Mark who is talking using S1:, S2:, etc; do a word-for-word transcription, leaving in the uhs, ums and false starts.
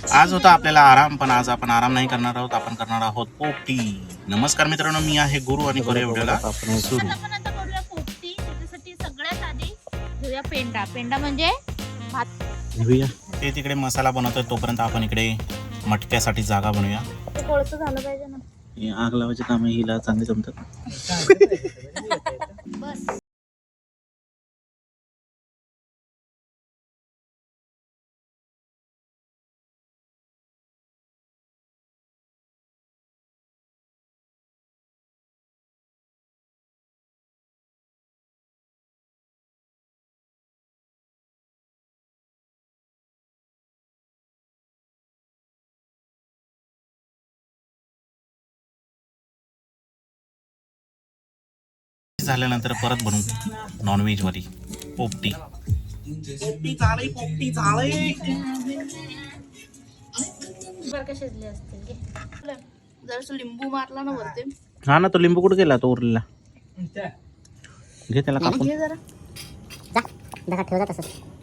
S1: आज होता आपल्याला आराम, पण आज आपण आराम नाही करणार आहोत, आपण करणार आहोत पोपटी. नमस्कार मित्रांनो, मी आहे गुरु आणि करूया व्हिडिओला सुरू.
S2: आपण आता करूया पोपटी. त्याच्यासाठी सगळ्यात आधी घेऊया पेंडा. पेंडा म्हणजे भात
S1: घेऊया. ते तिकडे मसाला बनवतोय, तोपर्यंत आपण इकडे मटक्यासाठी जागा बनवूया.
S2: ते कोळसं झालं पाहिजे ना.
S1: हे आग लावायचे काम हिला चांगले जमतात.
S2: बस
S1: झाल्यानंतर परत बनवू नॉनव्हेज वाली पोपटी. पोपटी चालय, पोपटी चालय.
S2: बरं का शिजले असतील की जरासं लिंबू मारला ना वरती.
S1: हा ना, तो लिंबू कुठे गेला तो उरलेला? घे त्याला कापून.
S2: घे जरा
S3: जा दहा ठेव जा तसंच.